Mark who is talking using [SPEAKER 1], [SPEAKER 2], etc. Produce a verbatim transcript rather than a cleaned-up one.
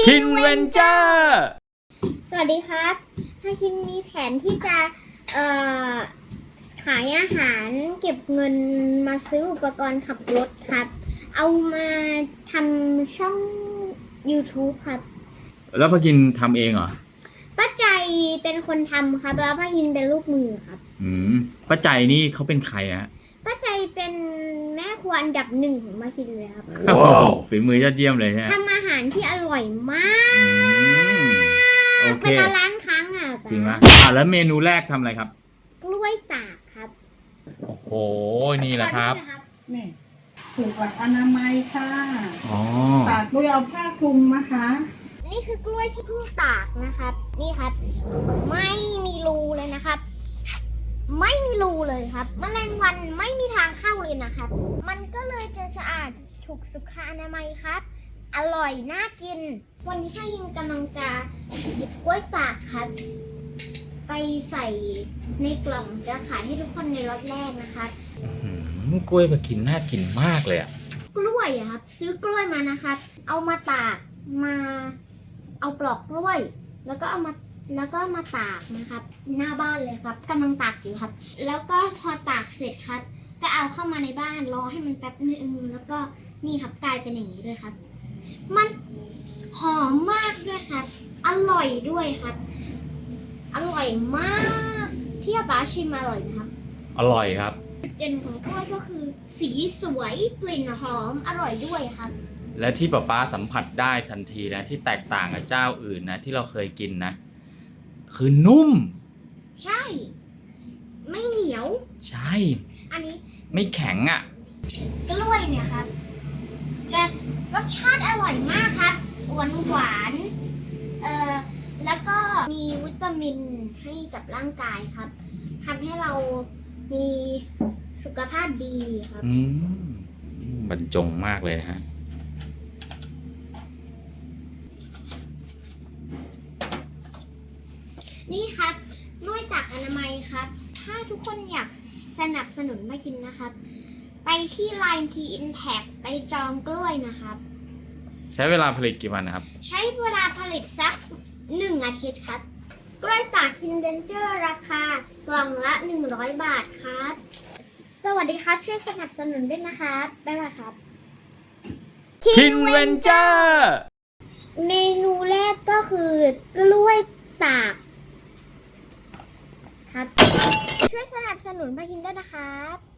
[SPEAKER 1] คินเวนเจอร์
[SPEAKER 2] สวัสดีครับถ้าคินมีแผนที่จะเอ่อขายอาหารเก็บเงินมาซื้ออุปกรณ์ขับรถครับเอามาทำช่อง YouTube ครับ
[SPEAKER 1] แล้วพากินทำเองเหรอ
[SPEAKER 2] ป้าใจเป็นคนทำครับแล้วป้าคินเป็นลูกมือครับ
[SPEAKER 1] อืมป้าใจนี่เขาเป็นใครอะ
[SPEAKER 2] ป้าใจเป็นแม่ครัวอันดับหนึ่งของป้าคินเลยครับ
[SPEAKER 1] ว้าวฝีมือยอดเยี่ยมเลยใช่ไหม
[SPEAKER 2] ทำอาหารที่อร่อยมาก
[SPEAKER 1] โอเค
[SPEAKER 2] เป็นล้านครั้งอ่ะ
[SPEAKER 1] จริงไหมอ่ะแล้วเมนูแรกทำอะไรครับ
[SPEAKER 2] กล้วยตากครับ
[SPEAKER 1] โอ้โหนี่แหละครับ
[SPEAKER 3] นี่ถูกหลักอนามัยค่ะ
[SPEAKER 1] อ๋อ
[SPEAKER 3] ตากด้วยเอาผ้าคลุมนะคะ
[SPEAKER 2] นี่คือกล้วยที่เพิ่งตากนะครับนี่ครับไม่มีรูเลยนะครับไม่มีรูเลยครับแมลงวันไม่มีทางเข้าเลยนะครับมันก็เลยจะสะอาดถูกสุขอนามัยครับอร่อยน่ากินวันนี้ข้ายิงกำลังจะหยิบกล้วยตากครับไปใส่ในกล่องจะขายให้ทุกคนในรถแรกนะครับ
[SPEAKER 1] กล้วยมากินน่ากินมากเลยอะ
[SPEAKER 2] กล้วยอะครับซื้อกล้วยมานะครับเอามาตากมาเอาปลอกกล้วยแล้วก็เอามาแล้วก็มาตากนะครับหน้าบ้านเลยครับกำลังตากอยู่ครับแล้วก็พอตากเสร็จครับก็เอาเข้ามาในบ้านรอให้มันแป๊บนึงแล้วก็นี่ครับกลายเป็นอย่างนี้เลยครับมันหอมมากด้วยครับอร่อยด้วยครับอร่อยมากที่ป้าชิมอร่อยนะครับ
[SPEAKER 1] อร่อยครับ
[SPEAKER 2] จุดเด่นของกล้วยก็คือสีสวยกลิ่นหอมอร่อยด้วยครับ
[SPEAKER 1] และที่ป้าป้าสัมผัสได้ทันทีนะที่แตกต่างกับเจ้าอื่นนะที่เราเคยกินนะคือนุ่ม
[SPEAKER 2] ใช่ไม่เหนียว
[SPEAKER 1] ใช่
[SPEAKER 2] อันนี้
[SPEAKER 1] ไม่แข็งอ่ะ
[SPEAKER 2] กล้วยเนี่ยครับจะรสชาติอร่อยมากครับหวานหวานเอ่อแล้วก็มีวิตามินให้กับร่างกายครับทำให้เรามีสุขภาพดีครับ
[SPEAKER 1] อืมบรรจงมากเลยฮะ
[SPEAKER 2] นี่ครับกล้วยตากอนามัยครับถ้าทุกคนอยากสนับสนุนมากินนะครับไปที่ ไลน์ ที Impact ไปจองกล้วยนะครับ
[SPEAKER 1] ใช้เวลาผลิตกี่วันนะครับ
[SPEAKER 2] ใช้เวลาผลิตสักหนึ่งอาทิตย์ครับกล้วยตากคินเวนเจอร์ราคากล่องละหนึ่งร้อยบาทครับสวัสดีครับช่วยสนับสนุนด้วยนะครับบ๊ายบายครับ
[SPEAKER 1] คินเวนเจอร์
[SPEAKER 2] เมนูแรกก็คือกล้วยตากครับช่วยสนับสนุนมากินด้วยนะครับ